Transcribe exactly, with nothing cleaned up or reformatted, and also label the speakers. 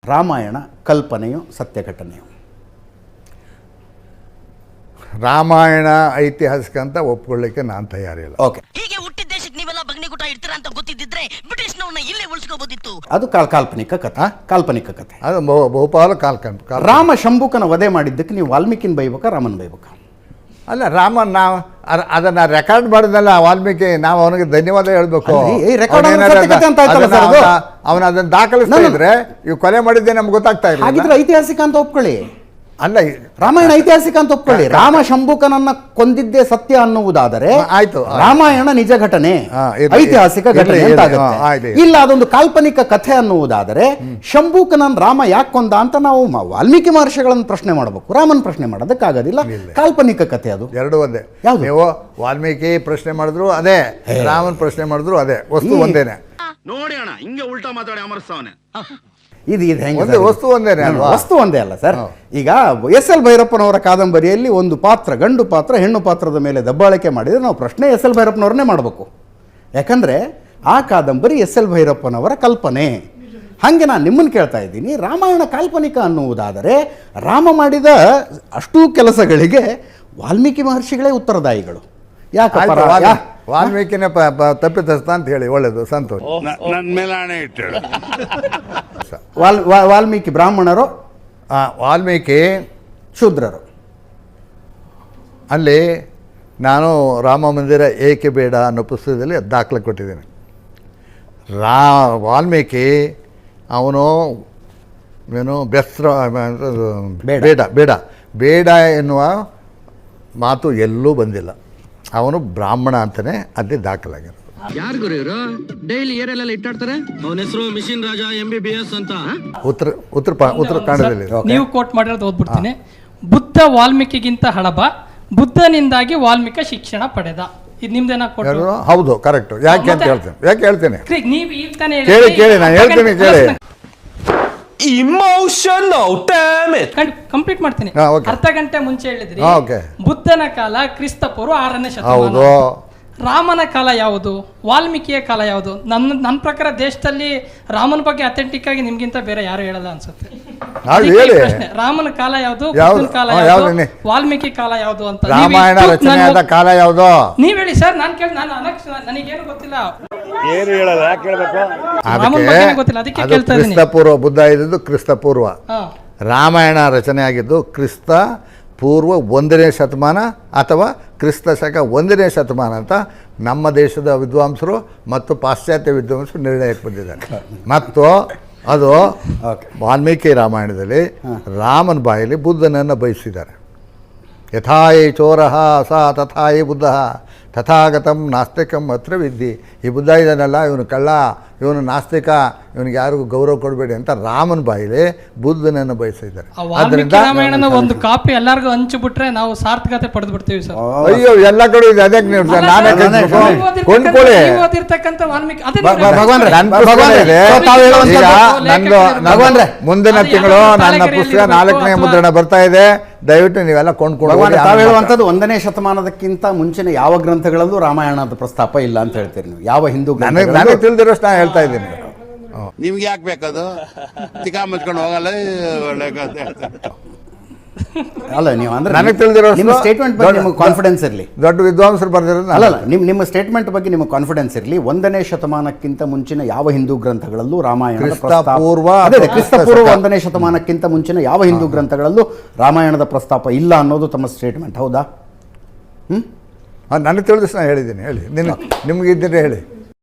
Speaker 1: ರಾಮಾಯಣ ಕಲ್ಪನೆಯು ಸತ್ಯ ಘಟನೆಯು?
Speaker 2: ರಾಮಾಯಣ ಐತಿಹಾಸಿಕ ಅಂತ ಒಪ್ಕೊಳ್ಳಿಕ್ಕೆ ನಾನು ತಯಾರಿಲ್ಲ.
Speaker 1: ಓಕೆ,
Speaker 3: ಹೀಗೆ ಹುಟ್ಟಿದ ದೇಶಕ್ಕೆ ನೀವೆಲ್ಲ ಬಗ್ನಿಗುಟ ಇಡ್ತೀರಾ ಅಂತ ಗೊತ್ತಿದ್ದಿದ್ರೆ ಬ್ರಿಟಿಷ್ನವ್ರನ್ನ ಇಲ್ಲೇ ಉಳಿಸ್ಕೋಬೋದಿತ್ತು.
Speaker 1: ಅದು ಕಾಲ್ ಕಾಲ್ಪನಿಕ ಕಥೆ. ಕಾಲ್ಪನಿಕ ಕಥೆ
Speaker 2: ಅದು ಬಹು- ಬಹುಪಾಲು ಕಾಲ್ಕಂತ.
Speaker 1: ರಾಮ ಶಂಭುಕನ ವಧೆ ಮಾಡಿದ್ದಕ್ಕೆ ನೀವು ವಾಲ್ಮೀಕಿನ ಬೈಬೇಕಾ ರಾಮನ್ ಬೈಬೇಕಾ?
Speaker 2: ಅಲ್ಲ, ರಾಮನ್ ನಾವು ಅದನ್ನು ರೆಕಾರ್ಡ್ ಮಾಡಿದ್ನಲ್ಲ ವಾಲ್ಮೀಕಿ, ನಾವು ಅವನಿಗೆ ಧನ್ಯವಾದ ಹೇಳ್ಬೇಕು. ಅವನು ಅದನ್ನು ದಾಖಲಿಸ್ತಾ ಇದ್ರೆ ಇವು ಕೊಲೆ ಮಾಡಿದ್ದೆ ನಮ್ಗೆ ಗೊತ್ತಾಗ್ತಾ ಇಲ್ಲ.
Speaker 1: ಹಾಗಿದ್ರೆ ಐತಿಹಾಸಿಕ ಅಂತ ಒಪ್ಕೊಳ್ಳಿ.
Speaker 2: ಅಲ್ಲ,
Speaker 1: ರಾಮಾಯಣ ಐತಿಹಾಸಿಕ ಅಂತ ಒಪ್ಕೊಳ್ಳಿ. ರಾಮ ಶಂಭುಕನನ್ನ ಕೊಂದಿದ್ದೇ ಸತ್ಯ ಅನ್ನುವುದಾದರೆ
Speaker 2: ಆಯ್ತು,
Speaker 1: ರಾಮಾಯಣ ನಿಜ ಘಟನೆ, ಐತಿಹಾಸಿಕ ಘಟನೆ ಅಂತಾಗುತ್ತೆ. ಇಲ್ಲ ಅದೊಂದು ಕಾಲ್ಪನಿಕ ಕಥೆ ಅನ್ನುವುದಾದರೆ ಶಂಭುಕನನ್ ರಾಮ ಯಾಕೆ ಕೊಂದ ಅಂತ ನಾವು ವಾಲ್ಮೀಕಿ ಮಹರ್ಷಿಗಳನ್ನು ಪ್ರಶ್ನೆ ಮಾಡಬೇಕು, ರಾಮನ್ ಪ್ರಶ್ನೆ ಮಾಡೋದಕ್ಕಾಗೋದಿಲ್ಲ. ಕಾಲ್ಪನಿಕ ಕಥೆ ಅದು.
Speaker 2: ಎರಡು ಒಂದೇ. ನೀವು ವಾಲ್ಮೀಕಿ ಪ್ರಶ್ನೆ ಮಾಡಿದ್ರು ಅದೇ, ರಾಮನ್ ಪ್ರಶ್ನೆ ಮಾಡಿದ್ರು ಅದೇ, ವಸ್ತು ಒಂದೇನೆ.
Speaker 4: ನೋಡಿ ಅಣ್ಣ, ಹಿಂಗೆ ಉಲ್ಟಾ ಮಾತಾಡಿ ಅಮರ್ಸ್ತಾವನೆ.
Speaker 1: ಇದು ಇದು ಹೆಂಗೆ?
Speaker 2: ವಸ್ತು ಒಂದೇನೆ ಅಲ್ವಾ?
Speaker 1: ವಸ್ತು ಒಂದೇ ಅಲ್ಲ ಸರ್. ಈಗ ಎಸ್ ಎಲ್ ಭೈರಪ್ಪನವರ ಕಾದಂಬರಿಯಲ್ಲಿ ಒಂದು ಪಾತ್ರ, ಗಂಡು ಪಾತ್ರ ಹೆಣ್ಣು ಪಾತ್ರದ ಮೇಲೆ ದಬ್ಬಾಳಿಕೆ ಮಾಡಿದರೆ ನಾವು ಪ್ರಶ್ನೆ ಎಸ್ ಎಲ್ ಭೈರಪ್ಪನವ್ರನ್ನೇ ಮಾಡಬೇಕು. ಯಾಕಂದರೆ ಆ ಕಾದಂಬರಿ ಎಸ್ ಎಲ್ ಭೈರಪ್ಪನವರ ಕಲ್ಪನೆ. ಹಾಗೆ ನಾನು ನಿಮ್ಮನ್ನು ಕೇಳ್ತಾ ಇದ್ದೀನಿ, ರಾಮಾಯಣ ಕಾಲ್ಪನಿಕ ಅನ್ನುವುದಾದರೆ ರಾಮ ಮಾಡಿದ ಅಷ್ಟೂ ಕೆಲಸಗಳಿಗೆ ವಾಲ್ಮೀಕಿ ಮಹರ್ಷಿಗಳೇ ಉತ್ತರದಾಯಿಗಳು. ಯಾಕಪ್ಪ?
Speaker 2: ವಾಲ್ಮೀಕಿನ ತಪ್ಪಿತಸ್ಥ ಅಂತ ಹೇಳಿ, ಒಳ್ಳೇದು, ಸಂತೋಷ.
Speaker 4: ನನ್ನ ಮೇಲೆ ಹಣೆ ಇಟ್ಟು
Speaker 1: ವಾಲ್ ವಾಲ್ಮೀಕಿ ಬ್ರಾಹ್ಮಣರು,
Speaker 2: ವಾಲ್ಮೀಕಿ
Speaker 1: ಶೂದ್ರರು.
Speaker 2: ಅಲ್ಲಿ ನಾನು ರಾಮ ಮಂದಿರ ಏಕೆ ಬೇಡ ಅನ್ನೋ ಪುಸ್ತಕದಲ್ಲಿ ದಾಖಲೆ ಕೊಟ್ಟಿದ್ದೀನಿ. ರಾ ವಾಲ್ಮೀಕಿ ಅವನು ಏನು ಬೆಸ್ರ ಬೇಡ ಬೇಡ ಬೇಡ ಎನ್ನುವ ಮಾತು ಎಲ್ಲೂ ಬಂದಿಲ್ಲ. ಅವನು ಬ್ರಾಹ್ಮಣ ಅಂತಲೇ ಅಲ್ಲಿ ದಾಖಲಾಗಿರೋದು.
Speaker 5: ಯಾರು ಗುರು ಇವರು? ಡೈಲಿ ಏರೆಲ್ಲ ಇಟ್ಟಾಡ್ತಾರೆ. ಅವನ ಹೆಸರು machine Raja M B B S ಅಂತ.
Speaker 2: ಉತ್ತರ ಉತ್ತರ ಉತ್ತರ ಕನ್ನಡದಲ್ಲಿ
Speaker 6: ನೀವು ಕೋಟ್ ಮಾಡಿರೋದು ಓದ್ಬಿಡ್ತೀನಿ. ಬುದ್ಧ ವಾಲ್ಮೀಕಿಗಿಂತ ಹಳಬ, ಬುದ್ಧನಿಂದಾಗಿ ವಾಲ್ಮೀಕಿ ಶಿಕ್ಷಣ ಪಡೆದ. ಇದು ನಿಮ್ದೇನಾ ಕೊಟ್ಟು?
Speaker 2: ಹೌದು, ಕರೆಕ್ಟ್. ಯಾಕೆ ಅಂತ ಹೇಳ್ತೇನೆ, ಯಾಕೆ ಹೇಳ್ತೇನೆ
Speaker 6: ನೀವು ಈಗ ತಾನೇ
Speaker 2: ಕೇಳಿ ಕೇಳಿ ನಾನು ಹೇಳ್ತೀನಿ ಕೇಳಿ.
Speaker 7: ಇಮೋಷನಲ್ ಡ್ಯಾಮೇಜ್
Speaker 6: ಕಂಪ್ಲೀಟ್ ಮಾಡ್ತೀನಿ. ಅರ್ಧ ಗಂಟೆ ಮುಂಚೆ ಹೇಳಿದ್ರಿ ಬುದ್ಧನ ಕಾಲ ಕ್ರಿಸ್ತ ಪೂರ್ವ ಆರನೇ ಶತಮಾನ. ರಾಮನ ಕಾಲ ಯಾವುದು, ವಾಲ್ಮೀಕಿಯ ಕಾಲ ಯಾವುದು? ನನ್ನ ನನ್ನ ಪ್ರಕಾರ ದೇಶದಲ್ಲಿ ರಾಮನ ಬಗ್ಗೆ ಅಥೆಂಟಿಕ್ ಆಗಿ ನಿಮ್ಗಿಂತ ಬೇರೆ ಯಾರು ಹೇಳಲ್ಲ ಅನ್ಸುತ್ತೆ. ರಾಮನ ಕಾಲ ಯಾವುದು, ಬುದ್ಧನ ಕಾಲ ಯಾವುದು, ವಾಲ್ಮೀಕಿ ಕಾಲ ಯಾವುದು ಅಂತ
Speaker 2: ರಾಮಾಯಣ ರಚನೆಯಾದ ಕಾಲ ಯಾವುದು
Speaker 6: ನೀವ್ ಹೇಳಿ ಸರ್. ನಾನು ಕೇಳಿ ನಾನು ನನಗೇನು ಗೊತ್ತಿಲ್ಲ,
Speaker 4: ಏನು ಹೇಳಲ್ಲ, ಯಾಕೆ ಹೇಳ್ಬೇಕು?
Speaker 6: ರಾಮನ ಬಗ್ಗೆ ಗೊತ್ತಿಲ್ಲ, ಅದಕ್ಕೆ ಕೇಳ್ತಾ ಇದ್ದೀನಿ.
Speaker 2: ಕ್ರಿಸ್ತ ಪೂರ್ವ, ಬುದ್ಧ ಇದ್ದಿದ್ದು ಕ್ರಿಸ್ತ ಪೂರ್ವ, ರಾಮಾಯಣ ರಚನೆ ಆಗಿದ್ದು ಕ್ರಿಸ್ತ ಪೂರ್ವ ಒಂದನೇ ಶತಮಾನ ಅಥವಾ ಕ್ರಿಸ್ತ ಶಕ ಒಂದನೇ ಶತಮಾನ ಅಂತ ನಮ್ಮ ದೇಶದ ವಿದ್ವಾಂಸರು ಮತ್ತು ಪಾಶ್ಚಾತ್ಯ ವಿದ್ವಾಂಸರು ನಿರ್ಣಯಕ್ಕೆ ಬಂದಿದ್ದಾರೆ. ಮತ್ತು ಅದು ವಾಲ್ಮೀಕಿ ರಾಮಾಯಣದಲ್ಲಿ ರಾಮನ ಬಾಯಲ್ಲಿ ಬುದ್ಧನನ್ನು ಬಯಸಿದ್ದಾರೆ. ಯಥಾಯಿ ಚೋರಃ ಸ ತಥಾಯಿ ಬುದ್ಧ ತಥಾಗತಂ ನಾಸ್ತಿಕಂ ಅತ್ರ ವಿದ್ಧಿ. ಈ ಬುದ್ಧ ಇದನ್ನೆಲ್ಲ ಇವನು ಕಳ್ಳ, ಇವನು ನಾಸ್ತಿಕ, ಇವನಿಗೆ ಯಾರಿಗೂ ಗೌರವ ಕೊಡಬೇಡಿ ಅಂತ ರಾಮನ ಬಾಯಿಲೆ ಬುದ್ಧನನ್ನು ಬಯಸಿದ್ದಾರೆ.
Speaker 6: ರಾಮಾಯಣನ ಒಂದು ಕಾಪಿ ಎಲ್ಲರಿಗೂ ಹಂಚಿಬಿಟ್ರೆ ನಾವು ಸಾರ್ಥಕತೆ ಪಡೆದು ಬಿಡ್ತೀವಿ ಸರ್.
Speaker 2: ಅಯ್ಯೋ, ಎಲ್ಲ ಕಡೆ ಇದೆ, ಅದಕ್ಕೆ ನೀವು ನಾನೇ ಕೊಂಡ್ಕೊಳ್ಳಿ. ನಂದು ಮುಂದಿನ ತಿಂಗಳು ನನ್ನ ಪುಸ್ತಕ ನಾಲ್ಕನೇ ಮುದ್ರಣ ಬರ್ತಾ ಇದೆ. ದಯವಿಟ್ಟು ನೀವೆಲ್ಲ ಕೊಂಡ್ಕೊಂಡು.
Speaker 1: ತಾವು ಹೇಳುವಂಥದ್ದು ಒಂದನೇ ಶತಮಾನದಕ್ಕಿಂತ ಮುಂಚಿನ ಯಾವ ಗ್ರಂಥಗಳಲ್ಲೂ ರಾಮಾಯಣದ ಪ್ರಸ್ತಾಪ ಇಲ್ಲ ಅಂತ ಹೇಳ್ತೀರಿ ನೀವು. ಯಾವ ಹಿಂದೂ
Speaker 2: ನನಗೆ ನನಗೆ ತಿಳಿದಿರೋಷ್ಟು ನಾನು ಹೇಳ್ತಾ ಇದ್ದೀನಿ.
Speaker 4: ನಿಮ್ಗೆ ಯಾಕೆ ಬೇಕದು? ತಿಕಾ ಮುಚ್ಕೊಂಡು ಹೋಗಲ್ಲ.
Speaker 1: ಅಲ್ಲ, ನೀವು ಅಂದ್ರೆ
Speaker 2: ನನಗೆ ತಿಳಿದಿರೋ
Speaker 1: ಸ್ಟೇಟ್ಮೆಂಟ್ ಬಗ್ಗೆ ನಿಮಗೆ ಕಾನ್ಫಿಡೆನ್ಸ್ ಇರಲಿ.
Speaker 2: ದೊಡ್ಡ ವಿದ್ವಾಂಸರು ಬರ್ದಿರೋದು
Speaker 1: ಅಲ್ಲ ಅಲ್ಲ ನಿಮ್ಮ ನಿಮ್ಮ ಸ್ಟೇಟ್ಮೆಂಟ್ ಬಗ್ಗೆ ನಿಮಗೆ ಕಾನ್ಫಿಡೆನ್ಸ್ ಇರಲಿ. ಒಂದನೇ ಶತಮಾನಕ್ಕಿಂತ ಮುಂಚಿನ ಯಾವ ಹಿಂದೂ ಗ್ರಂಥಗಳಲ್ಲೂ ರಾಮಾಯಣದ
Speaker 2: ಪೂರ್ವ
Speaker 1: ಅದೇ ಕ್ರಿಸ್ತ ಪೂರ್ವ ಒಂದನೇ ಶತಮಾನಕ್ಕಿಂತ ಮುಂಚಿನ ಯಾವ ಹಿಂದೂ ಗ್ರಂಥಗಳಲ್ಲೂ ರಾಮಾಯಣದ ಪ್ರಸ್ತಾಪ ಇಲ್ಲ ಅನ್ನೋದು ತಮ್ಮ ಸ್ಟೇಟ್ಮೆಂಟ್, ಹೌದಾ? ಹ್ಮ್
Speaker 2: ನನಗೆ ತಿಳಿದಷ್ಟು ನಾನು ಹೇಳಿದ್ದೀನಿ. ಹೇಳಿ, ನಿನ್ನ ನಿಮ್ಗೆ ಇದ್ದರೆ ಹೇಳಿ.